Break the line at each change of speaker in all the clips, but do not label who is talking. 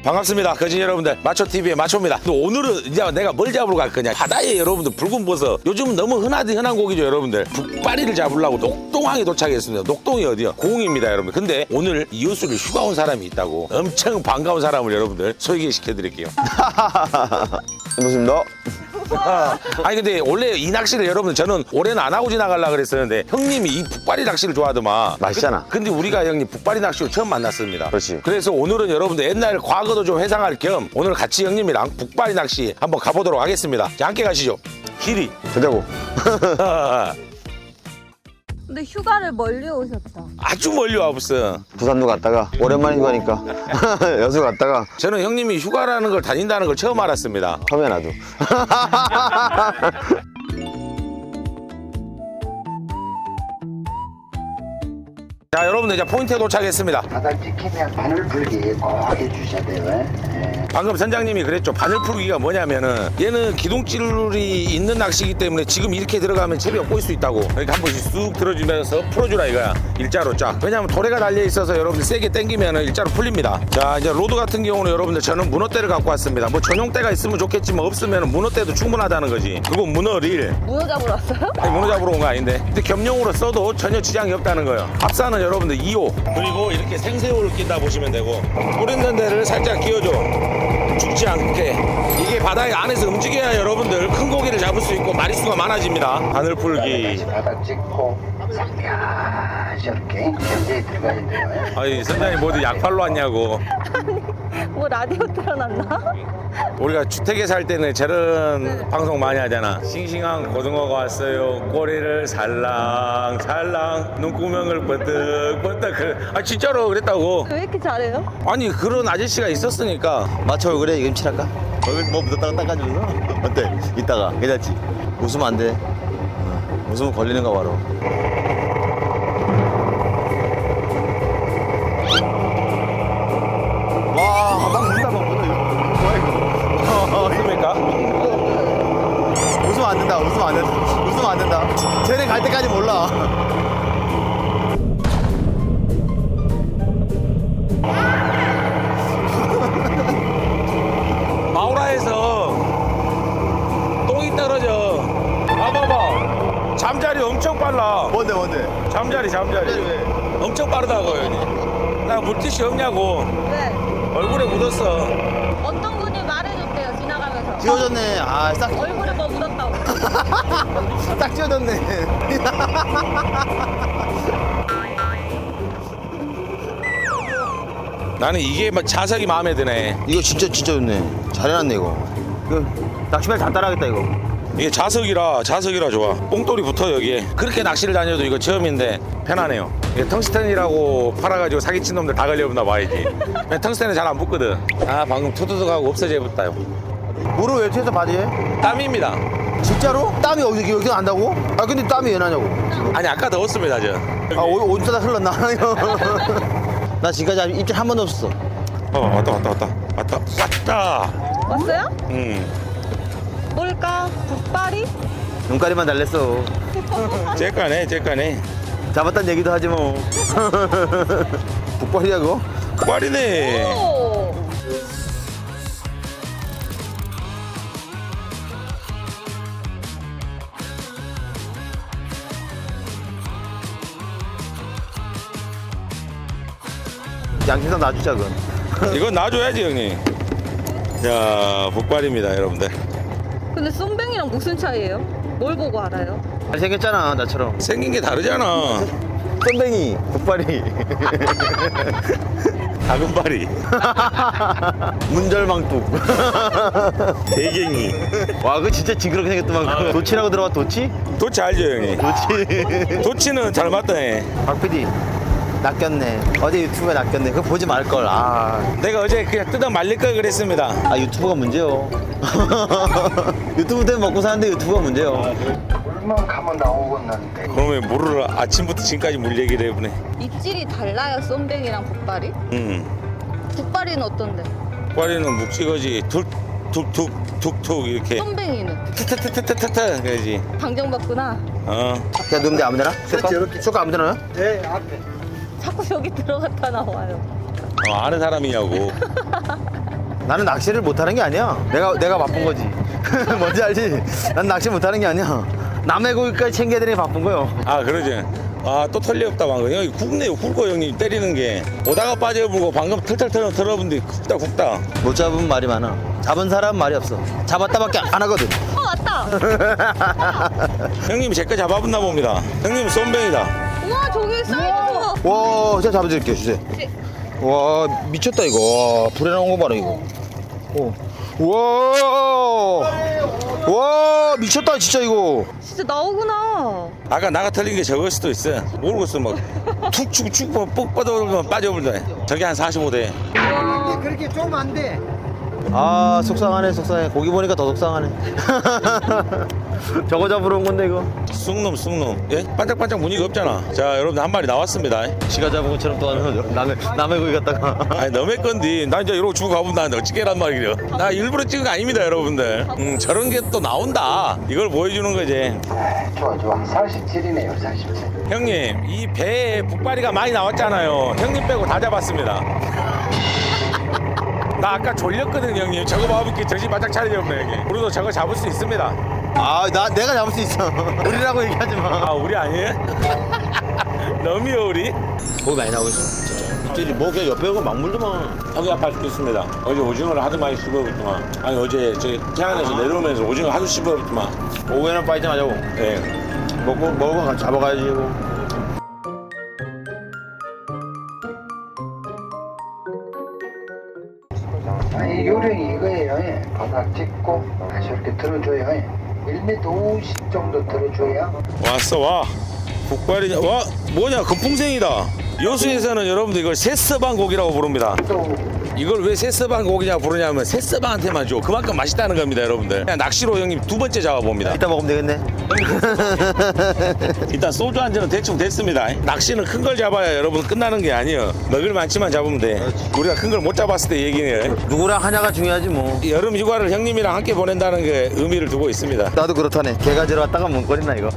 반갑습니다. 거진 여러분들 마초TV의 마초입니다. 또 오늘은 이제 내가 뭘 잡으러 갈 거냐. 바다에 여러분들 붉은 버섯 요즘은 너무 흔한 고기죠 여러분들. 북바리를 잡으려고 녹동항에 도착했습니다. 녹동이 어디요? 공입니다 여러분. 근데 오늘 이웃으로 휴가 온 사람이 있다고 엄청 반가운 사람을 여러분들 소개시켜 드릴게요.
반갑습니다.
아니 근데 원래 이 낚시를 여러분들 저는 올해는 안 하고 지나가려고 그랬었는데 형님이 이 북바리 낚시를 좋아하더만.
맛있잖아.
근데 우리가 형님 북바리 낚시로 처음 만났습니다.
그렇지.
그래서 오늘은 여러분들 옛날 과거도 좀 회상할 겸 오늘 같이 형님이랑 북바리 낚시 한번 가보도록 하겠습니다. 자, 함께 가시죠. 길이.
되자고.
근데 휴가를 멀리 오셨다.
아주 멀리 와봤어.
부산도 갔다가 오랜만인 거니까 여수 갔다가
저는 형님이 휴가라는 걸 다닌다는 걸 처음 알았습니다.
처음에 나도.
자, 여러분들 이제 포인트에 도착했습니다.
바닥 지키면 바늘 불기 꼭 해주셔야 돼요.
방금 선장님이 그랬죠. 바늘 풀기가 뭐냐면은 얘는 기둥줄이 있는 낚시이기 때문에 지금 이렇게 들어가면 채비가 꼬일 수 있다고. 그러니까 한 번씩 쑥 들어주면서 풀어주라 이거야. 일자로 쫙. 왜냐면 도래가 달려 있어서 여러분들 세게 당기면은 일자로 풀립니다. 자, 이제 로드 같은 경우는 여러분들 저는 문어대를 갖고 왔습니다. 뭐 전용대가 있으면 좋겠지만 없으면 문어대도 충분하다는 거지. 그거 문어릴.
문어 잡으러 왔어요?
아니, 문어 잡으러 온 거 아닌데. 근데 겸용으로 써도 전혀 지장이 없다는 거예요. 합사는 여러분들 2호. 그리고 이렇게 생새우를 낀다 보시면 되고. 뿔 있는 데를 살짝 끼워줘. 죽지 않게. 이게 바다에 안에서 움직여야 여러분들 큰 고기를 잡을 수 있고 마리수가 많아집니다. 바늘 풀기.
바닥 찍고 싹이렇게 견제에 들어가야 돼요.
아이 선장님 뭐 어디 약팔로 왔냐고.
뭐 라디오 틀어놨나?
우리가 주택에 살 때는 저런 방송 많이 하잖아. 싱싱한 고등어가 왔어요. 꼬리를 살랑살랑 눈구멍을 번뜩번뜩. 아 진짜로 그랬다고.
왜 이렇게 잘해요?
아니 그런 아저씨가 있었으니까.
마초 얼굴에 이거 칠할까? 얼굴 뭐 묻었다가 닦아주면서 어때? 이따가 괜찮지? 웃으면 안 돼. 웃으면 걸리는 거 바로. 와, 막 웃다 막 웃다 이거. 뭐야 이거?
맞습니까?
웃으면 안 된다. 웃으면 안 된다. 웃으면 안 된다. 쟤네 갈 때까지 몰라.
마우라에서 똥이 떨어져. 봐봐봐. 잠자리 엄청 빨라.
뭔데?
잠자리.
왜?
엄청 빠르다고요. 형님. 나 물티슈 없냐고.
네.
얼굴에 묻었어.
어떤 분이 말해줬대요, 지나가면서.
지워졌네. 아, 싹
얼굴에 뭐 묻었다고.
딱 지워졌네.
나는 이게 막 자석이 마음에 드네.
이거 진짜 좋네. 잘해놨네 이거. 이거 낚시발 잘 따라하겠다 이거.
이게 자석이라 좋아. 뽕돌이 붙어 여기에. 그렇게 낚시를 다녀도 이거 처음인데 편하네요. 이게 텅스텐이라고 팔아가지고 사기친 놈들 다 걸려붙나 봐야지. 텅스텐은 잘 안 붙거든. 아 방금 투두둑하고 없어져 붙다요.
물을 왜 튀어서 바지에?
땀입니다.
진짜로? 땀이 여기서 난다고? 아 근데 땀이 왜 나냐고.
아니 아까 더웠습니다 저.
아 어디다 흘렀나? 나 지금까지 입질 한 번도 없었어.
왔다.
왔어요? 뭘까? 북바리?
눈가리만 달랬어.
째까네.
잡았단 얘기도 하지 뭐. 북발이야 그거?
꽈리네.
오!
양심상 놔주자 그건.
이건 놔줘야지 형님. 자 북발입니다 여러분들.
근데 쏨뱅이랑 무슨 차이예요? 뭘 보고 알아요?
잘생겼잖아 나처럼.
생긴 게 다르잖아.
쏨뱅이 북발이.
다금바리.
문절망뚝.
대갱이.
와 그거 진짜 징그럽게 생겼더만. 도치라고 들어가 도치?
도치 알죠 형님?
도치.
도치는 잘 맞다네.
박 PD 낚였네. 어제 유튜브에 낚였네. 그거 보지 말걸.
내가 어제 그냥 뜯어 말릴 걸 그랬습니다.
유튜브가 문제요. 유튜브 때문에 먹고 사는데 유튜브가 문제요.
물만 가면 나오겠는데.
그러면 물을 아침부터 지금까지 물 얘기를 해보네.
입질이 달라요, 쏨뱅이랑 북바리? 북바리는 어떤데?
꽈리는 묵직하지. 툭툭툭툭 이렇게.
쏨뱅이는?
트트트트트트 그러지.
방정받구나.
그냥 넣으면 돼 아무데나? 쏠까 아무데나 넣어요?
네, 앞에.
자꾸 여기 들어갔다 나와요.
아는 사람이냐고.
나는 낚시를 못하는 게 아니야. 내가 바쁜 거지. 뭔지 알지? 난 낚시 못하는 게 아니야. 남의 고기까지 챙겨야 되니 바쁜 거요.
아 그러지. 아 또 털리 없다 방금. 형이 굵네요. 굵어 형님 때리는 게. 오다가 빠져보고 방금 털털 털어본데 굵다.
못 잡으면 말이 많아. 잡은 사람은 말이 없어. 잡았다밖에 안 하거든.
왔다.
형님이 제 거 잡아봤나 봅니다. 형님은 쏨뱅이다.
우와, 저기 사이즈 봐.
와, 제가 잡아드릴게요, 주세요. 와, 미쳤다 이거. 와, 불에 나온 거 봐라 이거. 와, 와, 미쳤다 진짜 이거.
진짜 나오구나.
아까 나가 털린 게 저걸 수도 있어. 모르겠어 막 툭 치고 쭉 뻑 빠져버리면 빠져버린다. 저게 한 45대.
그렇게 쪼면 안 돼. 아, 속상하네, 속상해. 고기 보니까 더 속상하네. 저거 잡으러 온 건데 이거.
쑥놈. 예? 반짝반짝 무늬가 없잖아. 자 여러분들 한 마리 나왔습니다.
지가 잡은 것처럼 또 하는 남의 고기 갖다가.
아니 너의 건디 나 이제 이러고 주고 가보면 나 어찌게란 말이려. 나 일부러 찍은 거 아닙니다 여러분들. 저런 게 또 나온다. 이걸 보여주는 거지.
좋아 47이네요 47.
형님 이 배에 북바리가 많이 나왔잖아요. 형님 빼고 다 잡았습니다. 나 아까 졸렸거든 형님. 저거 봐볼게 정신 바짝 차리지 없네 형님. 우리도 저거 잡을 수 있습니다.
아, 내가 잡을 수 있어. 우리라고 얘기하지 마.
아 우리 아니에요? 너미요 우리?
고기 많이 나오고 있어. 진짜 뭐 그냥 옆에 오고 막물더만.
허리 아파할 수도 있습니다. 어제 오징어를 하도 많이 씹어봤더만. 아니 어제 저기 태안에서 내려오면서 오징어 하도 씹어봤더만.
오후에는 파이팅 하자고.
예.
먹고 같이 잡아가야지 이거.
아니 요령이 이거예요. 예. 바닥 찍고 다시 이렇게 들어줘요. 예. 1m 50 정도 들어줘야
왔어 와. 북발이 와 뭐냐 금풍생이다. 여수에서는 여러분들 이걸 새서방 고기라고 부릅니다.
또
이걸 왜 새서방 고기냐 부르냐면 새서방한테만 줘. 그만큼 맛있다는 겁니다 여러분들. 그냥 낚시로 형님 두 번째 잡아봅니다.
이따 먹으면 되겠네.
일단 소주 한 잔은 대충 됐습니다. 낚시는 큰 걸 잡아야 여러분 끝나는 게 아니에요. 먹을 만치만 잡으면 돼. 우리가 큰 걸 못 잡았을 때 얘기네요.
누구랑 하냐가 중요하지 뭐.
여름 휴가를 형님이랑 함께 보낸다는 게 의미를 두고 있습니다.
나도 그렇다네. 개가 들어왔다가 뭉거리나 이거.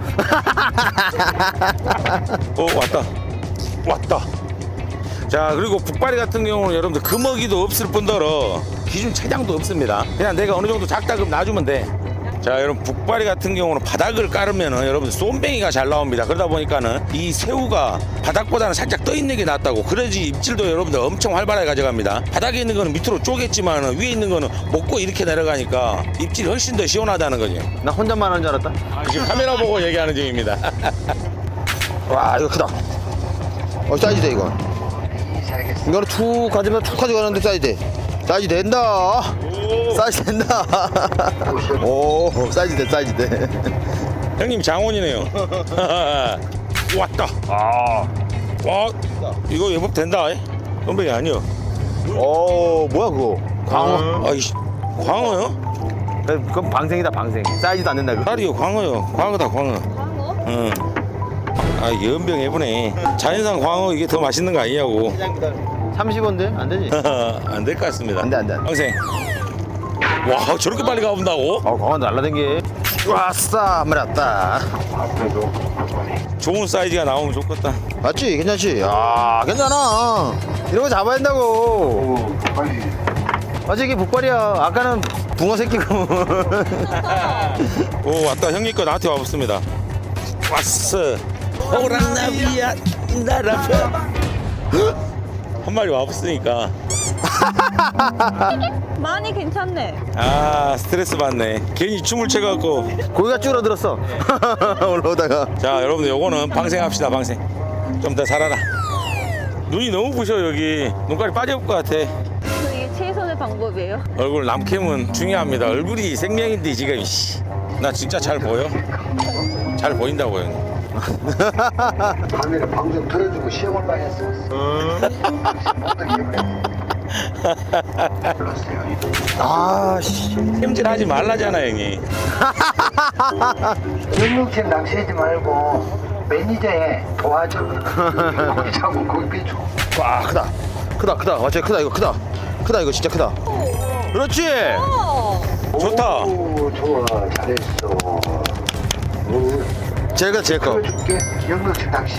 왔다. 자 그리고 북바리 같은 경우는 여러분들 금어기도 없을 뿐더러 기준 체장도 없습니다. 그냥 내가 어느 정도 작다 그럼 놔주면 돼. 자 여러분 북바리 같은 경우는 바닥을 깔으면은 여러분들 쏨뱅이가 잘 나옵니다. 그러다 보니까는 이 새우가 바닥보다는 살짝 떠 있는 게 낫다고. 그래야지 입질도 여러분들 엄청 활발하게 가져갑니다. 바닥에 있는 거는 밑으로 쪼겠지만 위에 있는 거는 먹고 이렇게 내려가니까 입질이 훨씬 더 시원하다는 거지.
나 혼자만 하는 줄 알았다.
지금 카메라 보고 얘기하는 중입니다.
와, 이거 크다. 사이즈돼 이거.
이사하겠습니다.
이거는 툭 가지면 툭 가져가는데 사이즈 된다. 사이즈 된다. 오, 사이즈 돼.
형님 장원이네요. 왔다. 와 이거 예법 된다. 쏨뱅이 아니요.
오, 뭐야 그거? 광어.
아이씨 광어요?
그건 방생이다 방생. 사이즈도 안 된다 그거.
딸이요 광어요. 광어다 광어.
광어?
응. 아 연병 해보네. 자연산 광어 이게 더 맛있는 거 아니냐고.
30원데 안 되지?
안 될 것 같습니다.
안 돼.
평생. 와 저렇게 빨리 가본다고?
광어 날라댕기. 왔어, 한마리 왔다.
앞에도 앞번에
좋은 사이즈가 나오면 좋겠다.
맞지? 괜찮지? 아, 괜찮아. 이런 거 잡아야 된다고.
오 빨리
맞지? 이게 북발이야. 아까는 붕어 새끼고.
오 왔다. 형님 거 나한테 와봤습니다. 왔어. 호랑나비야 나라편. 한 마리 와봤으니까.
많이 괜찮네.
아 스트레스 받네. 괜히 춤을 춰갖고.
고기가 줄어들었어. 올라오다가.
자 여러분들 요거는 방생합시다 방생. 좀 더 살아라. 눈이 너무 부셔 여기. 눈깔이 빠져올 것 같아.
이게 최선의 방법이에요.
얼굴 남캠은 중요합니다. 얼굴이 생명인데 지금 나 진짜 잘 보여? 잘 보인다고 형님.
밤에는 방송 들어주고 시험을 많이 했었어. 어떻게 그래? 불렀어요.
아, 씨.
햄질하지 말라잖아 형님.
영육팀 낚시하지 말고 매니저에 도와줘. 고기 잡고 고기 빼줘.
와, 크다. 와, 진짜 크다. 이거 크다. 이거 진짜 크다. 그렇지.
어.
좋다.
오, 좋아 잘했어. 오.
제가 제 거.
들어줄게. 영덕식 낚시.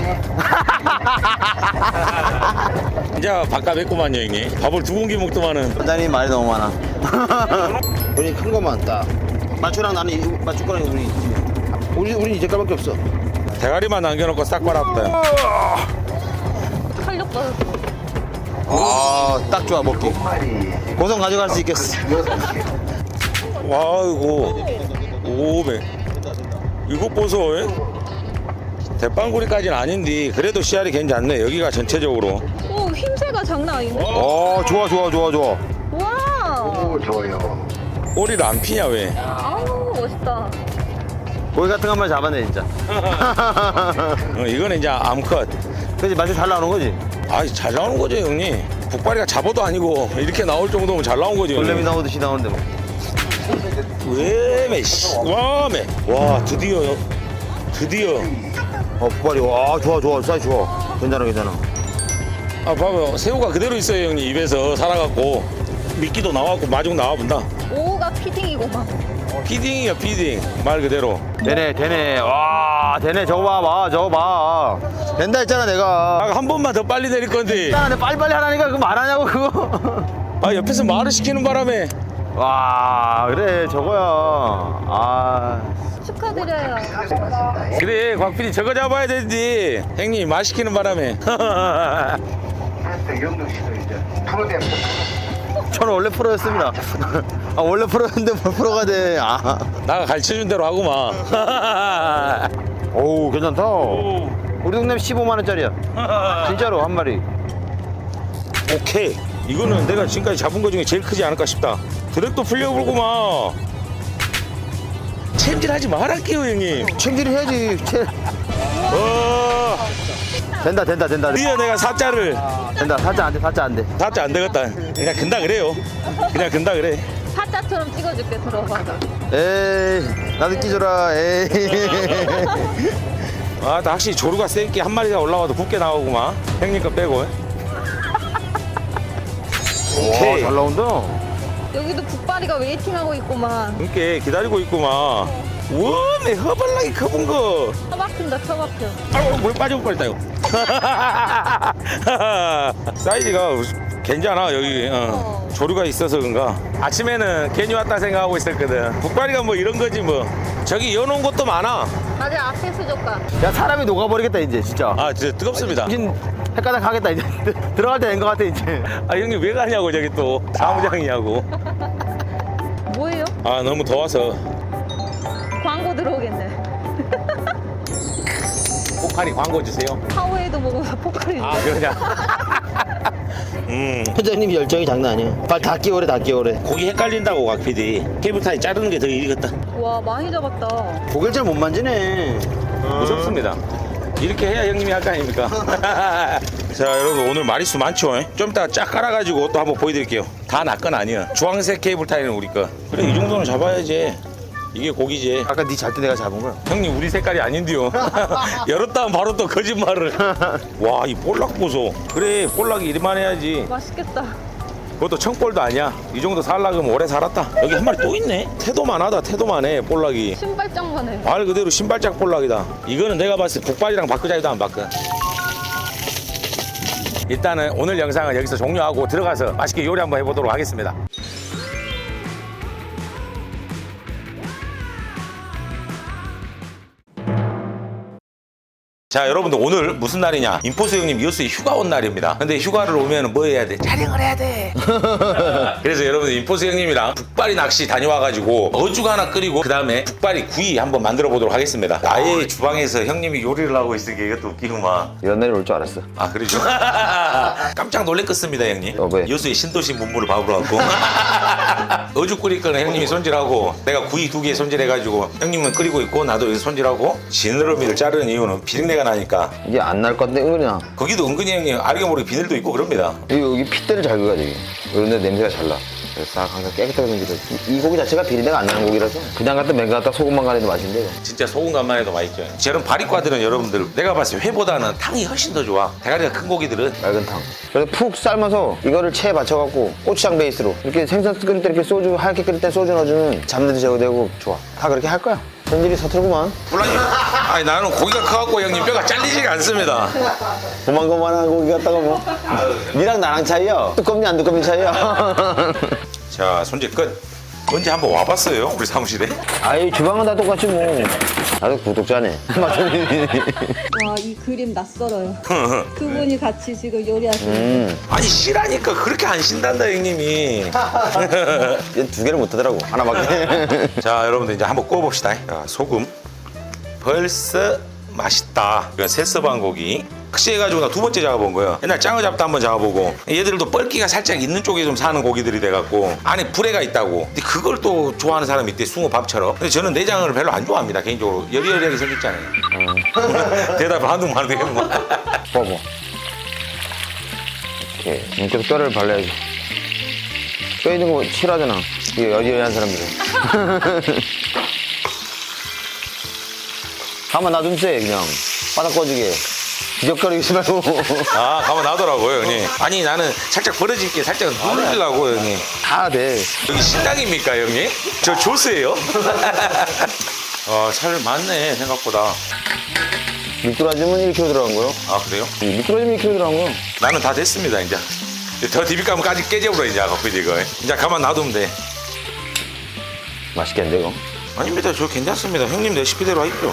이제 바꿔냈구만요 형님. 밥을 2공기 먹더만은.
원장님 말이 너무 많아. 우리 큰 것만 딱. 마초랑 나는 마초 거랑 우린 이제 깔밖에 없어.
대가리만 남겨놓고 싹 빨았다.
탄력 받았어.
딱 좋아 먹기.
마리.
고성 가져갈 수 있겠어.
6개.
와 이거 오메 이거 보소. 예? 대빵구리까지는 아닌데 그래도 씨알이 괜찮네. 여기가 전체적으로.
오, 힘새가 장난 아닌데?
좋아.
와.
오, 좋아요.
꼬리를 안 피냐 왜?
아우, 멋있다.
고기 같은 것만 잡아내 진짜.
이거는 이제 암컷.
그지 맛이 잘 나오는 거지.
아이 잘 나오는 거죠 형님. 북발이가 잡어도 아니고 이렇게 나올 정도면 잘 나온 거죠.
돌레미
형님.
나오듯이 나오는데 뭐.
왜매 씨. 와매. 와 드디어.
북발이 와 좋아 사이즈 좋아. 괜찮아.
아 봐봐요. 새우가 그대로 있어요 형님. 입에서 살아갖고 미끼도 나왔고 마중 나와본다.
오가 피딩이고만.
피딩이야 피딩. 말 그대로.
되네. 와 되네. 저거 봐. 된다 했잖아 내가.
아, 한 번만 더 빨리 내릴 건데.
있잖아 내가 빨리빨리 하라니까 그거 말하냐고 그거.
아 옆에서 말을 시키는 바람에.
와 그래 저거야.
축하드려요.
고맙습니다. 예.
그래 곽PD 저거 잡아야 되지. 형님 말 시키는 바람에.
그래서 영덕식도 이제 프로그램
저는 원래 프로였습니다. 원래 프로였는데 뭘 프로가 돼.
나가 가르쳐준 대로 하구만.
오우 괜찮다. 우리 동네 15만 원짜리야. 진짜로 한 마리.
오케이. 이거는 내가 지금까지 잡은 거 중에 제일 크지 않을까 싶다. 드랙도 풀려불구만. 챔질하지 말할게요 형님.
챙기를 해야지. 된다.
드디어 내가 사자를.
된다. 살짝 안 돼.
사자 안 되겠다. 그냥 근다 그래요. 그래.
사자처럼 찍어줄게, 들어봐서.
에이 나도 끼줘라. 에이.
아, 나 확실히 조류가 센게 한 마리가 올라와도 굵게 나오구만. 형님 거 빼고. 오케이.
잘 나온다.
여기도 북바리가 웨이팅하고 있구만.
그렇게 기다리고 있구만. 우와, 내 허벌나게 커본 거.
처박힌다, 처박혀.
아우, 물 빠져볼 뻔했다, 이거. 사이즈가 괜찮아, 여기. 조류가 있어서 그런가. 아침에는 괜히 왔다 생각하고 있었거든. 북발이가 뭐 이런 거지, 뭐. 저기 여놓은 것도 많아.
다들 앞에 수족관.
야 사람이 녹아버리겠다 이제 진짜.
아, 진짜 뜨겁습니다.
정신 헷갈려 가겠다 이제. 들어갈 때 된 것 같아 이제.
아, 형님 왜 가냐고, 저기 또. 사무장이냐고.
뭐예요?
아, 너무 더워서.
광고 들어오겠네.
포카리 광고 주세요.
파워에이드 먹어서 포카리.
아, 그러냐.
회장님 열정이 장난 아니야. 빨리 다 끼워래.
고기 헷갈린다고, 곽PD. 케이블타이 자르는 게 더 일이겠다.
와, 많이 잡았다.
고개를 잘 못 만지네.
무섭습니다. 이렇게 해야 형님이 할 거 아닙니까? 자, 여러분 오늘 마리수 많죠? 좀 이따가 쫙 깔아가지고 또 한번 보여드릴게요. 다 나 건 아니야. 주황색 케이블타이는 우리 거. 그래, 이 정도는 잡아야지. 이게 고기지.
아까 네 잘 때 내가 잡은 거야.
형님 우리 색깔이 아닌데요. 열었다면 바로 또 거짓말을. 와, 이 볼락 보소. 그래, 볼락이 이리만 해야지.
맛있겠다.
그것도 청볼도 아니야. 이 정도 살락이면 오래 살았다. 여기 한 마리 또 있네. 태도만 하다. 태도만 해, 볼락이.
신발장만 해.
말 그대로 신발짝 볼락이다. 이거는 내가 봤을 때 북발이랑 바꾸자 해도 안 바꿔. 일단은 오늘 영상은 여기서 종료하고 들어가서 맛있게 요리 한번 해보도록 하겠습니다. 자, 여러분들 오늘 무슨 날이냐? 인포스 형님 이호수에 휴가 온 날입니다. 근데 휴가를 오면 뭐 해야 돼? 촬영을 해야 돼. 그래서 여러분들 인포스 형님이랑 북발이 낚시 다녀와가지고 어죽 하나 끓이고 그 다음에 북발이 구이 한번 만들어 보도록 하겠습니다. 아예 주방에서 형님이 요리를 하고 있으니까 이것도 웃기구만.
이런 날이 올 줄 알았어.
아, 그러죠? 깜짝 놀랬겠습니다, 형님.
왜?
이호수의 신도시 문물을 밥으로 갖고 어죽 끓일 거는 형님이 손질하고 내가 구이 2개 손질해가지고 형님은 끓이고 있고 나도 여기서 손질하고 지느러미를 자르는 이유는 비린내가 나니까.
이게 안 날 건데 은근히 나.
거기도 은근히 형님 알게 모르게 비늘도 있고 그럽니다.
여기 핏대를 잘 그어야 돼. 이런 데 냄새가 잘 나. 그래서 싹 항상 깨끗하게 생기죠. 이 고기 자체가 비린내가 안 나는 고기라서 그냥 갖다 맨 갖다 소금만 간해도 맛있는데 이거.
진짜 소금 간만 해도 맛있죠. 저런 바리과들은 여러분들 내가 봤을 때 회보다는 탕이 훨씬 더 좋아. 대가리가 큰 고기들은.
맑은 탕. 그래서 푹 삶아서 이거를 체에 받쳐갖고 고추장 베이스로 이렇게 생선 끓일 때 이렇게 소주 하얗게 끓일 때 소주 넣어주면 잡내도 제거되고 좋아. 다 그렇게 할 거야. 손질이 서툴구만.
몰라요. 아니 나는 고기가 커갖고 형님 뼈가 잘리지가 않습니다.
고만고만한 고기 갖다가 뭐. 니랑 나랑 차이야. 두껍니 안 두껍니 차이야.
자 손질 끝. 언제 한번 와봤어요 우리 사무실에?
아이 주방은 다 똑같지 뭐. 나도 구독자네.
와, 이 그림 낯설어요. 그분이 같이 지금 요리하시는.
아니 쉬라니까 그렇게 안 쉰단다 형님이.
얘 두 개를 못 하더라고. 하나밖에.
자 여러분들 이제 한번 구워봅시다. 자, 소금. 벌써 맛있다. 이건 새서방 고기. 낚시해가지고 나 두 번째 잡아본 거예요. 옛날 짱어 잡다 한번 잡아보고 얘들도 뻘기가 살짝 있는 쪽에 좀 사는 고기들이 돼갖고 안에 불에가 있다고. 근데 그걸 또 좋아하는 사람이 있대, 숭어 밥처럼. 근데 저는 내장을 별로 안 좋아합니다 개인적으로. 여리여리하게 생겼잖아요. 대답을 한두 마디 해보면.
봐봐. 이렇게 계속 뼈를 발라야지. 뼈 있는 거 싫어하잖아. 이게 여지여지한 사람들은. 가만 놔두면 돼 그냥. 바닥 꺼지게. 기적거리지 말고.
아 가만 놔더라고요 형님. 아니 나는 살짝 벌어질게 살짝 누르려고 형님.
다 돼.
여기 식당입니까 형님? 저 조스예요? 살 많네 생각보다.
미끄러지면 1kg 들어간 거요.
아 그래요?
미끄러지면 1kg 들어간 거요.
나는 다 됐습니다 이제. 더 디비감까지 깨져버려 이제 커피 이거. 이제 가만 놔두면 돼.
맛있겠는데 이거?
아닙니다 저 괜찮습니다. 형님 레시피대로 하십시오.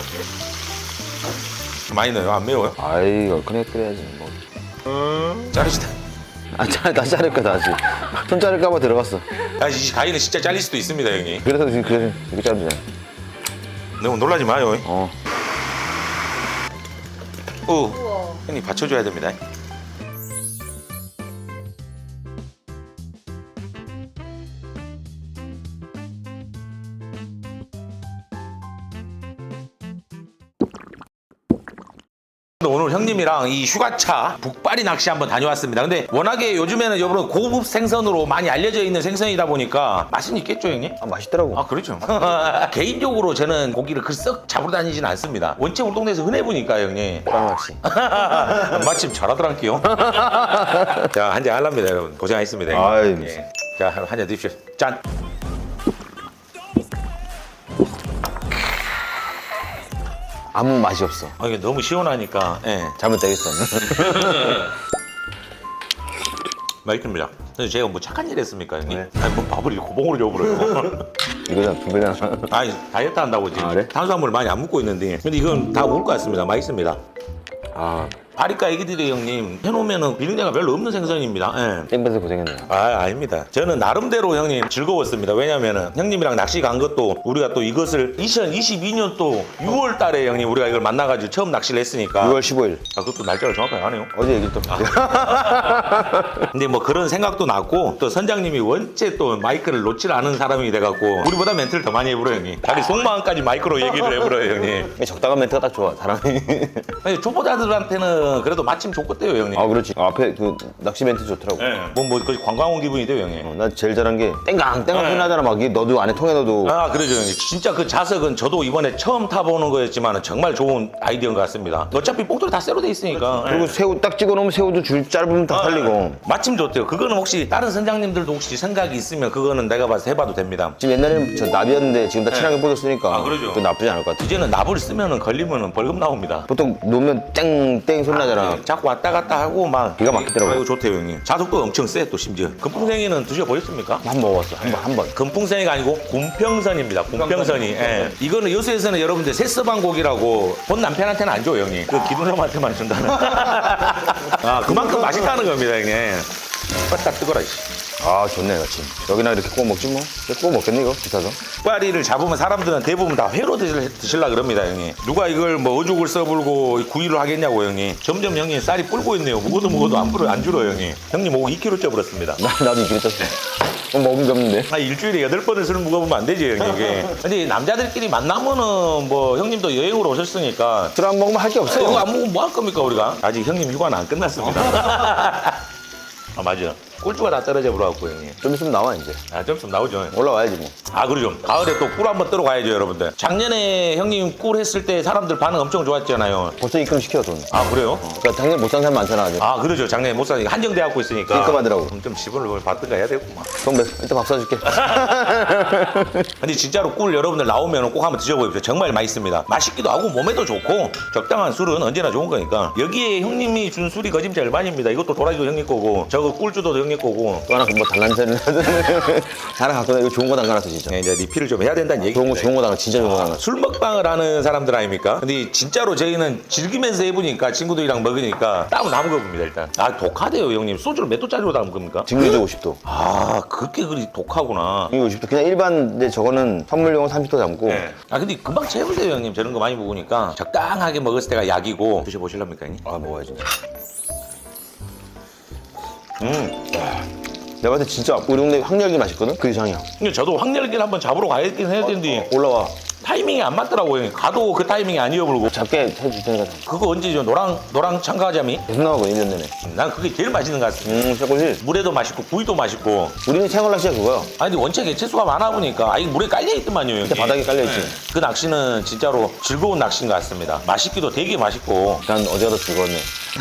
많이 넣어요? 안 매워요?
아이 얼큰하게 끓여야지 뭐.
자르시다.
다 자를 거다 아직. 손 자를까 봐 들어갔어.
이 가위는 진짜 잘릴 수도 있습니다 형님.
그래서 지금 이렇게 자르잖아.
너무 놀라지 마요.
어.
우와.
형님 받쳐줘야 됩니다. 오늘 형님이랑 이 휴가차 북바리 낚시 한번 다녀왔습니다. 근데 워낙에 요즘에는 여러분 고급 생선으로 많이 알려져 있는 생선이다 보니까 맛은 있겠죠 형님?
아 맛있더라고.
아 그렇죠. 개인적으로 저는 고기를 썩 잡으러 다니지는 않습니다. 원체 우리 동네에서 흔해 보니까 형님.
빵낚시.
마침 잘하더란게요. 자 한잔 하랍니다 여러분. 고생하셨습니다
아이,
형님. 예. 자 한잔 드십시오. 짠.
아무 맛이 없어.
이게 너무 시원하니까 예.
잘못되겠어.
맛있습니다. 근데 제가 뭐 착한 일 했습니까 형님?
네.
아니 뭐 밥을 이렇게 고봉으로 줘버려요.
이거잖아 두 배잖아.
아니 다이어트 한다고 지금
아, 그래?
탄수화물 많이 안 먹고 있는데 근데 이건 다 먹을 것 같습니다. 맛있습니다.
아
바리카 애기들이 형님 해놓으면 비린내가 별로 없는 생선입니다. 예.
땡볕에 고생했네.
아닙니다. 저는 나름대로 형님 즐거웠습니다. 왜냐면은 형님이랑 낚시 간 것도 우리가 또 이것을 2022년 또 6월 달에 형님 우리가 이걸 만나가지고 처음 낚시를 했으니까
6월 15일.
그것도 날짜를 정확하게 하네요.
어제 얘기 또.
근데 뭐 그런 생각도 났고 또 선장님이 원체 또 마이크를 놓질 않은 사람이 돼갖고 우리보다 멘트를 더 많이 해버려요 형님. 자기 속마음까지 마이크로 얘기를 해버려요 형님.
적당한 멘트가 딱 좋아 사람이.
아니, 초보자들한테는 그래도 마침 좋겠대요 형님.
아 그렇지. 앞에 그 낚시 멘트 좋더라고.
예. 뭐 거의 관광 온 기분이 돼요 형님.
난 제일 잘한 게 땡강 소리 나잖아. 막 이게 너도 안에 통에 넣어도.
아 그러죠 형님. 진짜 그 자석은 저도 이번에 처음 타보는 거였지만 정말 좋은 아이디어인 것 같습니다. 어차피 뽕돌이 다 쇠로 돼 있으니까.
그리고 새우 딱 찍어 놓으면 새우도 줄 짧으면 다 살리고.
마침 좋대요. 그거는 혹시 다른 선장님들도 혹시 생각이 있으면 그거는 내가 봐서 해봐도 됩니다.
지금 옛날에는 저 나비였는데 지금 다 친하게 뻗었으니까.
아, 그러죠.
또 나쁘지 않을 것 같아.
이제는 납을 쓰면은 걸리면은 벌금 나옵니다.
보통 놓으면 땡땡 소리 나잖아.
자꾸 왔다 갔다 하고 막
기가 막히더라고요.
아이고 좋대요 형님. 자석도 엄청 세 또 심지어. 금풍생이는 드셔보셨습니까?
한 번 먹었어. 한 번.
금풍생이가 아니고 곰평선입니다. 곰평선이. 예. 이거는 여수에서는 여러분들 새서방 고기라고 본 남편한테는 안 줘요 형님. 그 기둥놈한테만 준다는. 아 그만큼 맛있다는 겁니다 형님. 딱 뜨거라 이씨.
아 좋네 같이. 여기나 이렇게 구워 먹지 뭐. 구워 먹겠네 이거 비싸서.
꽈리를 잡으면 사람들은 대부분 다 회로 드실라 그럽니다 형님. 누가 이걸 뭐 어죽을 써불고 구이를 하겠냐고 형님. 점점 형님 쌀이 불고 있네요. 먹어도 안 줄어요 형님. 형님 오고 2kg 쪄버렸습니다.
나도 이렇게 쪘어. 먹은 게 없는데.
일주일에 8번을 술 먹어보면 안 되지 형님 이게. 근데 남자들끼리 만나면은 뭐 형님도 여행으로 오셨으니까
술 안 먹으면 할 게 없어.
이거 안 먹으면 뭐 할 겁니까 우리가? 아직 형님 휴가는 안 끝났습니다. 아 맞아. 꿀주가 다 떨어져 버려갖고 형님.
좀 있으면 나와 이제.
아, 좀 나오죠.
올라와야지 뭐.
아, 그러죠. 가을에 또 꿀 한번 뜨러 가야죠, 여러분들. 작년에 형님 꿀 했을 때 사람들 반응 엄청 좋았잖아요.
벌써 입금시켜 돈.
아, 그래요?
그러니까 작년 못 산 사람 많잖아 아직.
아, 그러죠. 작년에 못 사니까 한정돼갖고 있으니까.
입금하더라고.
그럼 좀 집을 받든가 해야 되겠구만.
그럼 일단 밥 사줄게.
근데 진짜로 꿀 여러분들 나오면 꼭 한번 드셔보십시오. 정말 맛있습니다. 맛있기도 하고 몸에도 좋고 적당한 술은 언제나 좋은 거니까. 여기에 형님이 준 술이 거짓말 절반입니다. 이것도 도라지도 형님 거고 저거 꿀주도 형님 거고.
또 하나 뭐 달란새를 하나 갖고 나 이거 좋은 거 담가놨어 진짜.
네, 이제 리필을 좀 해야 된다는 얘기입니다.
좋은 거 담가 진짜 좋은 거 담가.
술 먹방을 하는 사람들 아닙니까? 근데 진짜로 저희는 즐기면서 해보니까 친구들이랑 먹으니까 땀을 다 먹어봅니다 일단. 아, 독하대요 형님. 소주를 몇 도짜리로 담은 겁니까?
증류주 50도.
아, 그게 그리 독하구나.
이거 50도. 그냥 일반 근데 저거는 선물용은 30도 담고.
네. 아, 근데 금방 채우세요 형님. 저런 거 많이 먹으니까 적당하게 먹었을 때가 약이고. 드셔보실랍니까 형님?
아 먹어야지. 내가 봤을 때 진짜 우리 동네 황열기 맛있거든? 그 이상이야.
근데 저도 황열기를 한번 잡으러 가야긴 해야 되는데
올라와.
타이밍이 안 맞더라고요 형님. 가도 그 타이밍이 아니어버리고.
작게 해줄 테니까.
그거 언제죠? 노랑 참가자미?
계속 나오거든 1년 내내.
난 그게 제일 맛있는 것 같습니다.
새꼬시.
물에도 맛있고 구이도 맛있고.
우리는 생활낚시야 그거야.
아니 근데 원체 개체수가 많아 보니까 아이 물에 깔려있더만요.
밑에 바닥에 깔려있지.
그 낚시는 진짜로 즐거운 낚시인 것 같습니다. 맛있기도 되게 맛있고.
난 어제가 더 즐거웠네.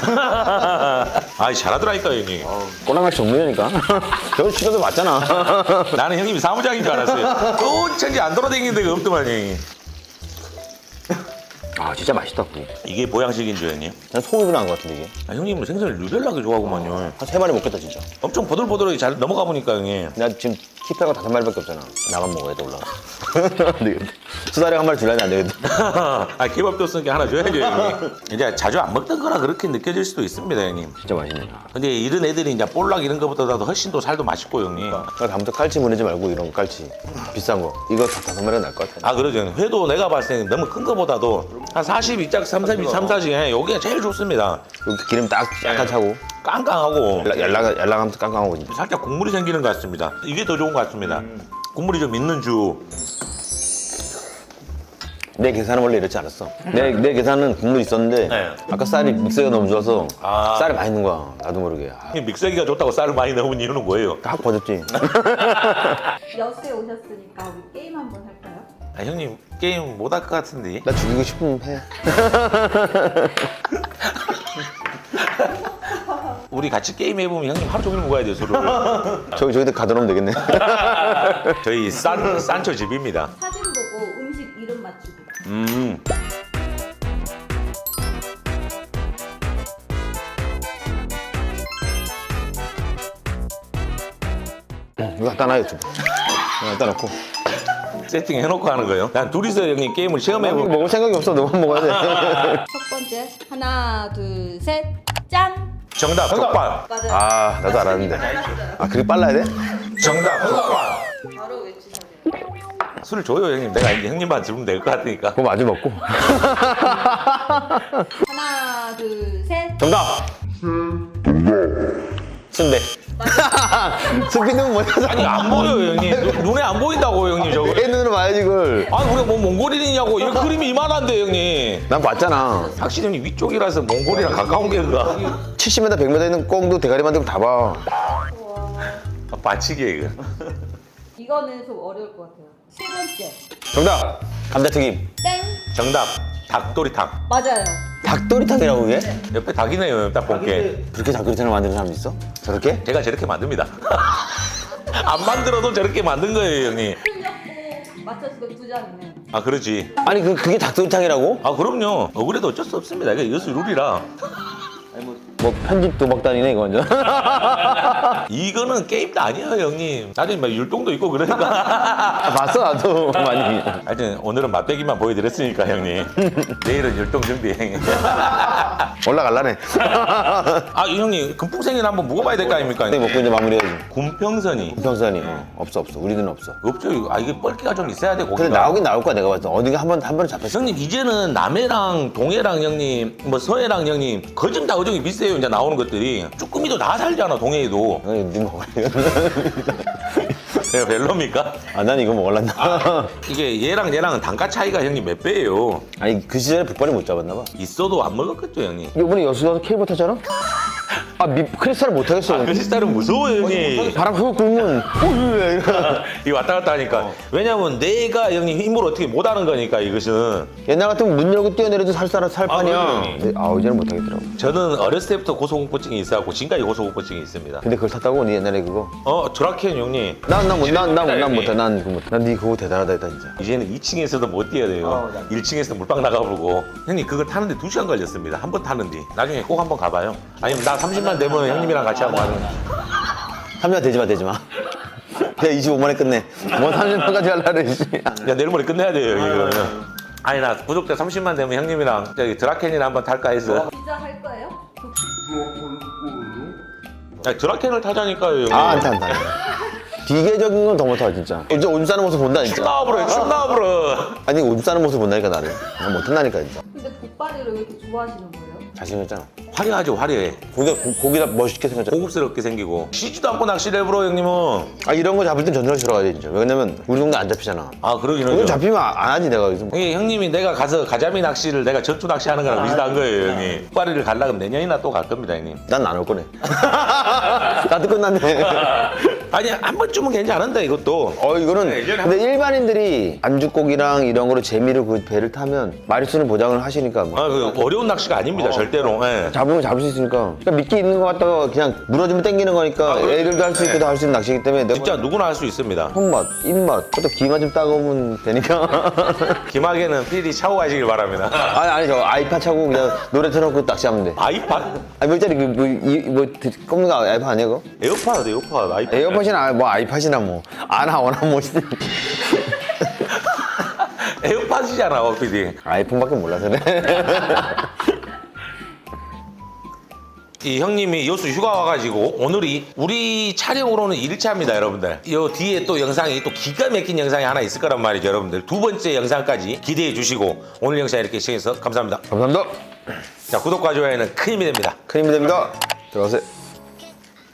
아이 잘하더라니까 형님.
꼬랑낚시 전문이니까. 저거 치료도 맞잖아.
나는 형님이 사무장인 줄 알았어요. 천지 안 돌아다니는 데가 없더만 형님.
아 진짜 맛있다 그거.
이게 보양식인 줄 형님.
난 소고기 나은 것 같은데 이게.
아, 형님은 생선을 유별나게 좋아하구만요.
한 3마리 먹겠다 진짜.
엄청 보들보들하게 잘 넘어가 보니까 형님.
나 지금 키패가 5마리밖에 없잖아. 나만 먹어야 돼 올라가. 안 되겠다. 수다리 한 마리 줄라면 안 되겠다.
아, 케밥도 쓰니까 하나 줘야죠 형님. 이제 자주 안 먹던 거라 그렇게 느껴질 수도 있습니다 형님.
진짜 맛있네.
근데 이런 애들이 이제 볼락 이런 거보다도 훨씬 더 살도 맛있고 형님.
그러니까 다음부터 깔치 보내지 말고 이런 거 깔치. 비싼 거. 이거 다 5마리가 나을 것 같아.
아, 그러죠 형님. 회도 내가 봤을 때는 너무 큰 거보다도 한 42짝 3, 4 여기가 제일 좋습니다.
여기 기름 딱 약간 차고.
깡깡하고
yar랑하면서 깡깡하고 진짜.
살짝 국물이 생기는 것 같습니다. 이게 더 좋은 것 같습니다. 국물이 좀 있는 주.
내 계산은 원래 이렇지 않았어. 내 계산은 국물 있었는데
네.
아까 쌀이 믹서가 너무 좋아서
아.
쌀이 많이 넣은 거야. 나도 모르게. 아,
믹서기가 좋다고 쌀을 많이 넣은 이유는 뭐예요?
확 버졌지.
여수에 오셨으니까 우리 게임 한번 할까요?
아, 형님 게임 못 할 것 같은데.
나 죽이고 싶으면 해.
우리 같이 게임 해보면 형님 하루 종일 먹어야 돼요 술을.
저기들 가둬놓으면 되겠네.
저희 산초 집입니다.
사진 보고 음식 이름 맞추기.
이거 갖다 놔 유튜브. 갖다 놓고.
세팅 해놓고 하는 거예요. 난 둘이서 형님 게임을
이거
체험해보고.
먹을 생각이 없어. 너만 먹어야 돼.
첫 번째 하나 둘 셋 짠.
정답 족발.
맞아요.
아 나도 알았는데. 아 그렇게 빨라야 돼?
정답 족발.
바로 외치셔야 돼요.
술 줘요 형님. 내가 이제 형님만 주면 될 것 같으니까.
그거 마주 먹고.
하나 둘 셋.
정답. 순대. 스피드는 뭐야?
아니 안 보여요 형님. 눈에 안 보인다고 형님 저거.
내 눈으로 봐야지 그걸.
아니 우리가 뭐 몽골인이냐고. 이 그림이 이만한데 형님.
난 봤잖아.
확실히 형님 위쪽이라서 몽골이랑 가까운 게 그가.
70m, 100m 있는 꽁도 대가리 만들고 다 봐.
받치기에 이거.
이거는 좀 어려울 것 같아요. 세 번째
정답. 감자튀김.
땡.
정답 닭도리탕.
맞아요.
닭도리탕이라고 그게?
옆에 닭이네요 딱 본게.
그렇게 닭도리탕을 만드는 사람 있어? 저렇게?
제가 저렇게 만듭니다. 안 만들어도 저렇게 만든 거예요 형님.
틀렸고 맞췄을 두 장이네.
아 그러지.
아니 그게 닭도리탕이라고?
아 그럼요. 그래도 어쩔 수 없습니다. 이게 여수 룰이라.
뭐 편집 도박단이네 이거 완전.
이거는 게임도 아니에요 형님. 나중에 막 율동도 있고 그러니까.
아, 봤어 나도 많이.
하여튼 오늘은 맛배기만 보여드렸으니까 형님. 내일은 율동 준비 형님.
올라갈라네.
아 이 형님 금풍생이를 한번 묵어봐야 될 거 아닙니까?
네, 먹고 이제 마무리해야지.
굼평선이
평선이 없어 우리들은 없어.
없죠. 이거. 아 이게 뻘기가 좀 있어야 돼 고기가.
근데 나오긴 나올 거야 내가 봤을 때. 어디가 한 번에 잡혔어.
형님 이제는 남해랑 동해랑 형님 뭐 서해랑 형님 거진 다 어종이 비슷해요. 이제 나오는 것들이 쭈꾸미도 다 살잖아 동해에도.
아니 네 먹어야
내가 별로입니까?
아, 난 이거 먹을란다.
이게 얘랑 얘랑은 단가 차이가 형님 몇 배예요.
아니 그 시절에 북발이 못 잡았나 봐.
있어도 안 먹었겠죠 형님.
이번에 여수 가서 케이블 탔잖아? 크리스탈을 못 하겠어.
크리스탈은 무서워요 형님.
바람 훅 불면 왜
이 왔다 갔다 하니까. 왜냐면 내가 형님 힘으로 어떻게 못하는 거니까 이것은.
옛날 같으면 문 열고 뛰어내려도 살판이야.
그럼요.
근데 이제는 못 하겠더라고.
저는 어렸을 때부터 고소공포증이 있어갖고 지금까지 고소공포증이 있습니다.
근데 그걸 탔다고 니 옛날에 그거?
드라켄 형님.
난 못해. 난니 그거 대단하다 했다 진짜.
이제는 2층에서도 못 뛰어야 돼요. 1층에서 물방 나가보고. 형님 그거 타는데 2시간 걸렸습니다. 한 번 타는데. 나중에 꼭 한번 가봐요. 아니면 나 30만 되면 형님이랑 같이 한번 가는.
30만 되지 마. 그냥 25만에 끝내. 뭐 30만까지 하려고 씨.
야 내일 모레 끝내야 돼요 형님 그러면. 아니 나 구독자 30만 되면 형님이랑 저기 드라켄이나 한번 탈까 해서.
진짜 할 거예요?
야, 드라켄을 타자니까요 형님.
안 타. 기계적인 건 더 못하 진짜. 이제 오줌 싸는 모습 본다 진짜.
나와버려 춤 나와버려.
아니 오줌 싸는 모습 본다니까 나는. 난 못한다니까 진짜.
근데 족발이를 왜 이렇게 좋아하시는 거예요?
잘생겼잖아.
화려하죠 화려해.
고기가 멋있게 생겼잖아.
고급스럽게 생기고 쉬지도 않고 낚시를 해버려 형님은.
이런 거 잡을 땐 전설을 들어가야 돼 진짜. 왜냐면 우리 동네 안 잡히잖아.
그러긴
이거
하죠.
잡히면 안 하지 내가 여기서.
형님이 내가 가서 가자미 낚시를 내가 전투 낚시하는 거랑 비슷한 거예요 형님. 족발이를 가려면 내년이나 또 갈 겁니다 형님.
난 안 올 거네. 나도 끝났네.
아니 한 번쯤은 괜찮은데 이것도.
이거는 근데 일반인들이 안주고기랑 이런 거로 재미로 그 배를 타면 마리수는 보장을 하시니까 뭐.
그 어려운 낚시가 아닙니다 절대로. 예.
잡으면 잡을 수 있으니까. 그러니까 미끼 있는 거 갖다가 그냥 물어주면 땡기는 거니까 애들도 할 수 있고 다 할 수 있는 낚시이기 때문에 내가
진짜 누구나 할 수 있습니다.
손맛, 입맛, 또 기만 좀 따가우면 되니까.
김학에는 필히 차고 가시길 바랍니다.
아니 저 아이팟 차고 그냥 노래 틀어놓고 낚시하면 돼.
아이팟?
아니 뭐 있잖아 꼽는 거 아이팟 아니야 그거?
에어팟 아이팟.
에어팟이나 뭐 아이팟이나 뭐 아나 워나 뭐
에어팟이잖아 PD.
아이폰밖에 몰라서 그래.
이 형님이 여수 휴가 와가지고 오늘이 우리 촬영으로는 1일차입니다 여러분들. 이 뒤에 또 영상이 또 기가 막힌 영상이 하나 있을 거란 말이죠 여러분들. 두 번째 영상까지 기대해 주시고 오늘 영상 이렇게 시청해주셔서 감사합니다.
감사합니다.
자 구독과 좋아요는 큰 힘이 됩니다.
큰 힘이 됩니다. 들어가세요.